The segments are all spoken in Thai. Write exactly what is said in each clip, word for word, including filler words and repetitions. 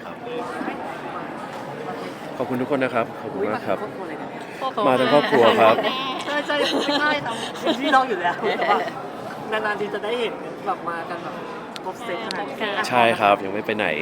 ครับขอบคุณทุกคนนะครับขอบคุณมากครับมาทั้งครอบครัวครับใช่ใช่ไม่ใช่ทำพี่น้องอยู่แล้วแต่ว่านานๆทีจะได้เห็นแบบมากันแบบครบเซตขนาดนี้ใช่ครับยังไม่ไปไหน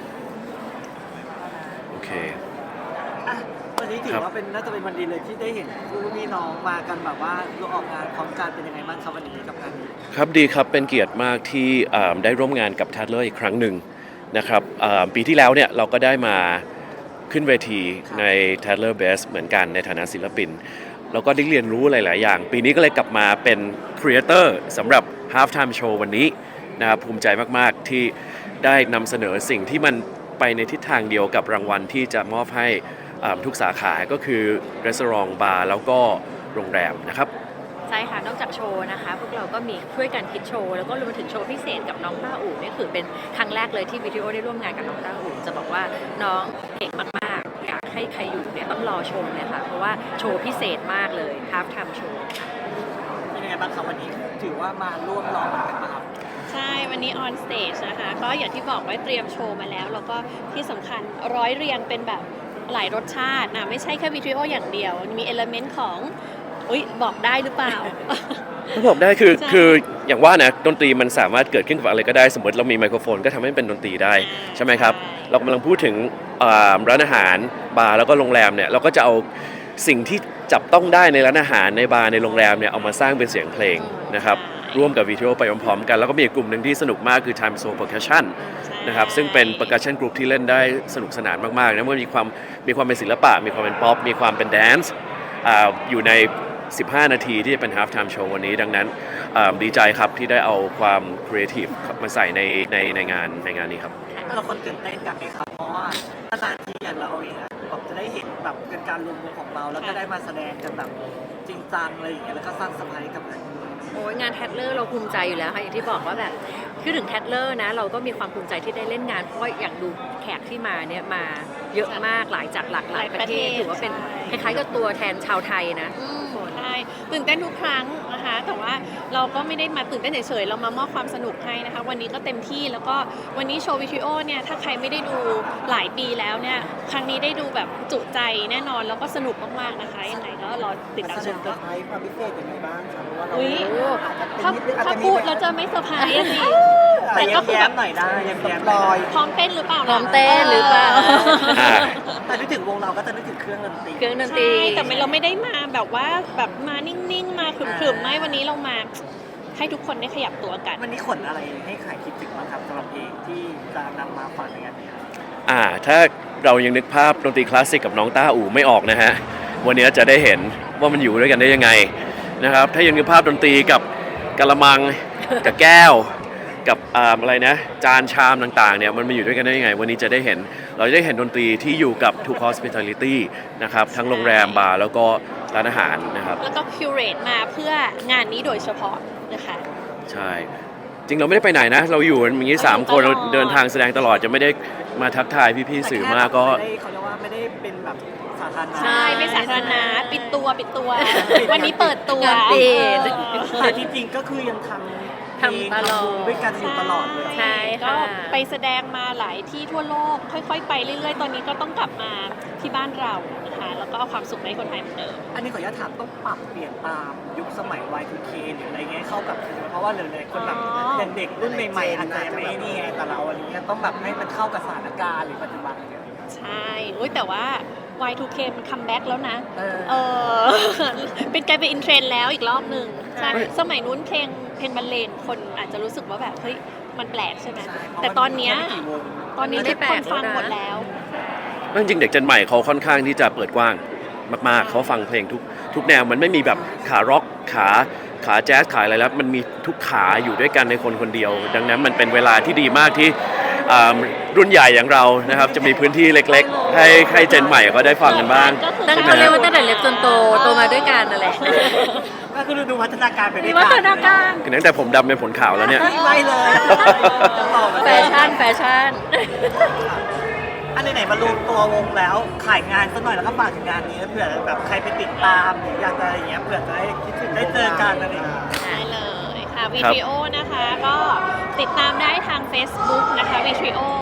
โอเคอ่ะวันนี้ถือว่าเป็นน่าจะเป็นวันดีเลยที่ได้เห็นคู่พี่น้องมากันแบบว่าเราออกงานพร้อมกันเป็นยังไงบ้างครับวันนี้กับงานนี้ครับดีครับเป็นเกียรติมากที่ได้ร่วมงานกับ Tatler อีกครั้งหนึ่งนะครับปีที่แล้วเนี่ยเราก็ได้มาขึ้นเวทีใน Tatler Best เหมือนกันในฐานะศิลปินแล้วก็ได้เรียนรู้หลายๆอย่างปีนี้ก็เลยกลับมาเป็นครีเอเตอร์สำหรับ Half Time Show วันนี้นะครับภูมิใจมากๆที่ได้นำเสนอสิ่งที่มันไปในทิศทางเดียวกับรางวัลที่จะมอบให้ทุกสาขาก็คือร้านบาร์แล้วก็โรงแรมนะครับใช่ค่ะนอกจากโชว์นะคะพวกเราก็มีช่วยกันคิดโชว์แล้วก็รวมถึงโชว์พิเศษกับน้องต้าอู่นี่คือเป็นครั้งแรกเลยที่วิดีโอได้ร่วมงานกับน้องต้าอู่จะบอกว่าน้องเก่งมากๆอยากให้ใครอยู่เนี่ยต้องรอชมเลยค่ะเพราะว่าโชว์พิเศษมากเลย Half Time Show ค่ะเป็นยังไงบ้างครับวันนี้ถือว่ามาร่วมรอกันมาครับใช่วันนี้ออนสเตจนะคะก็อย่างที่บอกไว้เตรียมโชว์มาแล้วแล้วก็ที่สำคัญร้อยเรียงเป็นแบบหลายรสชาตินะไม่ใช่แค่วิดีโออย่างเดียวมีเอลเมนต์ของอุ๊ยบอกได้หรือเปล่าก็บอกได้คือคืออย่างว่านะดนตรีมันสามารถเกิดขึ้นกับอะไรก็ได้สมมติเรามีไมโครโฟนก็ทำให้เป็นดนตรีได้ใช่ไหมครับเรากำลังพูดถึงร้านอาหารบาร์แล้วก็โรงแรมเนี่ยเราก็จะเอาสิ่งที่จับต้องได้ในร้านอาหารในบาร์ในโรงแรมเนี่ยเอามาสร้างเป็นเสียงเพลงนะครับร่วมกับวิดีโอไปพร้อมๆกันแล้วก็มีกลุ่มหนึ่งที่สนุกมากคือ Time Zone Percussion นะครับซึ่งเป็น percussion group ที่เล่นได้สนุกสนานมากๆนะมันมีความมีความเป็นศิลปะมีความเป็นป๊อปมีความเป็นแดนซ์อยู่ในสิบห้านาทีที่จะเป็น Half Time Show วันนี้ดังนั้นดีใจครับที่ได้เอาความครีเอทีฟมาใส่ในในในงานในงานนี้ครับเราคนตื่นเต้นกันไหมครับเพราะว่าสถานที่อย่างเราเองแบบจะได้เห็นแบบเป็นการรวมตัวของเราแล้วก็ได้มาแสดงกันแบบจริงจังอะไรอย่างเงี้ยแล้วก็สร้างสมาธิกับงานโอ้ยงานแทดเลอร์เราภูมิใจอยู่แล้วค่ะอย่างที่บอกว่าแบบคือถึงแทดเลอร์นะเราก็มีความภูมิใจที่ได้เล่นงานเพราะว่าอย่างดูแขกที่มาเนี่ยมาเยอะมากหลายจากหลากหลายประเทศถือว่าเป็นคล้ายๆกับตัวแทนชาวไทยนะใช่ตื่นเต้นทุกครั้งนะคะแต่ว่าเราก็ไม่ได้มาตื่นเต้นเฉยๆเรามามอบความสนุกให้นะคะวันนี้ก็เต็มที่แล้วก็วันนี้โชว์วิดีโอเนี่ยถ้าใครไม่ได้ดูหลายปีแล้วเนี่ยครั้งนี้ได้ดูแบบจุใจแน่นอนแล้วก็สนุกมากๆนะคะยังไงก็รอติดตามชมกันความพิเศษยังไงบ้างครับเพราะว่าเราถ้าถ้าพูดแล้วจะไม่เซอร์ไพรส์สิแต่ก็แย้มหน่อยได้แย้มลอยพร้อมเต้นหรือเปล่าพร้อมเต้นหรือเปล่าแต่นึกถึงวงเราก็จะนึกถึงเครื่องดนตรีเครื่องดนตรีแต่เราไม่ได้มาแบบว่าแบบมานิ่งๆมาขรึมๆไม่วันนี้เรามาให้ทุกคนได้ขยับตัวกันวันนี้ขนอะไรให้ใครคิดถึงบ้างครับสำหรับเพลงที่จะนำมาฝากในงานนี้อ่าถ้าเรายังนึกภาพดนตรีคลาสสิกกับน้องต้าอู่ไม่ออกนะฮะวันนี้จะได้เห็นว่ามันอยู่ด้วยกันได้ยังไงนะครับถ้ายังนึกภาพดนตรีกับกะละมังกับแก้วกับอะไรนะจานชามต่างๆเนี่ยมันมาอยู่ด้วยกันได้ยังไงวันนี้จะได้เห็นเราจะได้เห็นดนตรีที่อยู่กับ True Hospitality นะครับทั้งโรงแรมบาร์แล้วก็ร้านอาหารนะครับแล้วก็คิวเรตมาเพื่องานนี้โดยเฉพาะนะคะใช่จริงเราไม่ได้ไปไหนนะเราอยู่อย่างนี้สามคนเราเดินทางแสดงตลอดจะไม่ได้มาทักทายพี่ๆสื่อมากก็เขาเรียกว่าไม่ได้เป็นแบบสาธารณะใช่ไม่สาธารณะปิดตัวปิดตัววันนี้เปิดตัวปิดแต่จริงๆก็คือยังทำทำตลอดด้วยกันอยู่ตลอดเลยใช่ก็ไปแสดงมาหลายที่ทั่วโลกค่อยๆไปเรื่อยๆตอนนี้ก็ต้องกลับมาที่บ้านเรานะคะแล้วก็เอาความสุขให้คนไทยเหมือนเดิมอันนี้ขออนุญาตถามต้องปรับเปลี่ยนตามยุคสมัย วาย ทู เค หรืออะไรเงี้ยเข้ากับเพราะว่าหลายๆคนแบบอย่างเด็กรุ่นใหม่ๆอาจจะไม่นี่ไงแต่เราอันนี้ต้องแบบให้มันเข้ากับสถานการณ์หรือปัจจุบันใช่แต่ว่า วาย ทู เค มันคัมแบ็กแล้วนะเออเป็นกลายเป็นอินเทรนด์แล้วอีกรอบหนึ่งใช่สมัยนู้นเพลงเพลงบรรเลงคนอาจจะรู้สึกว่าแบบเฮ้ยมันแปลกใช่ไหมแต่ตอนนี้ตอนนี้ทุกคนฟังหมดแล้วจริงๆเด็กเจนใหม่เขาค่อนข้างที่จะเปิดกว้างมากๆเขาฟังเพลงทุกทุกแนวมันไม่มีแบบขาร็อกขาขาแจ๊สขาอะไรแล้วมันมีทุกขาอยู่ด้วยกันในคนคนเดียวดังนั้นมันเป็นเวลาที่ดีมากที่รุ่นใหญ่อย่างเรานะครับจะมีพื้นที่เล็กๆให้ให้เจนใหม่ก็ได้ฟังกันบ้างตั้งเขาเรียกว่าตั้งแต่เล็กจนโตโตมาด้วยกันนั่นแหละก็คือดูวัฒนาการไปด้วยกันวัฒนาการคือตั้งแต่ผมดำเป็นผลขาวแล้วเนี่ยไม่เลยแฟชั่นแฟชั่นอันไหนๆมารวมตัววงแล้วขายงานสักหน่อยแล้วก็ฝากถึงงานนี้เผื่อแบบใครไปติดตามหรืออยากจะอะไรอย่างเงี้ยเผื่อจะได้คิดถึงได้เจอกันอะไรอย่างเงี้ยได้เลยค่ะวิดีโอนะคะก็ติดตามได้ทาง Facebook นะคะวิดีโอ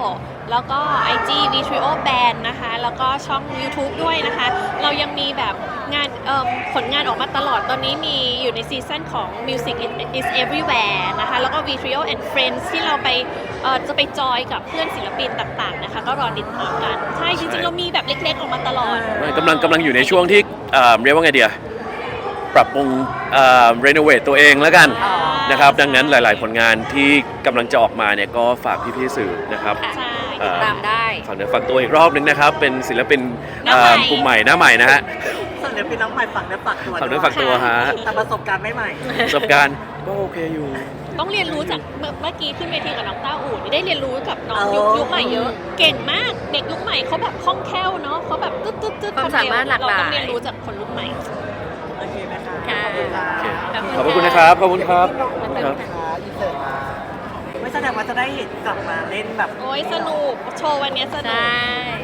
แล้วก็ ไอ จี วี ทรี โอ Band นะคะ แล้วก็ช่อง YouTube ด้วยนะคะ เรายังมีแบบงานเอิ่มผลงานออกมาตลอด ตอนนี้มีอยู่ในซีซั่นของ Music is Everywhere นะคะ แล้วก็ วี ทรี โอ and Friends ที่เราไปเอ่อจะไปจอยกับเพื่อนศิลปินต่างๆนะคะ ก็รอติดตามกัน ใช่ จริงๆ เรามีแบบเล็กๆ ออกมาตลอดกำลังกำลังอยู่ในช่วงที่เอ่อเรียกว่าไงเดียปรับปรุงรีโนเวทตัวเองแล้วกันอ๋อนะครับดังนั้นหลายๆ ผลงานที่กำลังจะออกมาเนี่ยก็ฝากพี่ๆสื่อนะครับใช่เอ่อตามได้ฝากเนื้อฝากตัวอีกรอบนึงนะครับ เป็นศิลปินหน้าใหม่เอ่อกลุ่มใหม่หน้าใหม่นะฮะส่วนเดี๋ยวพี่น้องใหม่ฝักเนื้อฝักตัวฝากเนื้อฝากตัวฮะแต่ประสบการณ์ไม่ใหม่ประสบการณ์ก็โอเคอยู่ต้องเรียนรู้จากเมื่อเมื่อกี้ขึ้นเวทีกับน้องต้าอู่นี่ได้เรียนรู้กับน้องอ๋อยุคยุคใหม่เยอะ เก่งมาก เด็กยุคใหม่เขาแบบคล่องแคล่วเนาะเขาแบบตึ๊ดตึ๊ดตึ๊ดความสามารถหลากหลายเราต้องเรียนรู้จากคนรุ่นใหม่โอเคไหมคะค่ะขอบคุณค่ะขอบคุณนะครับ ขอบคุณครับครับไม่แสดงว่าจะได้เห็นกลับมาเล่นแบบโอ้ยสนุก โชว์วันเนี้ยสนุใช่ก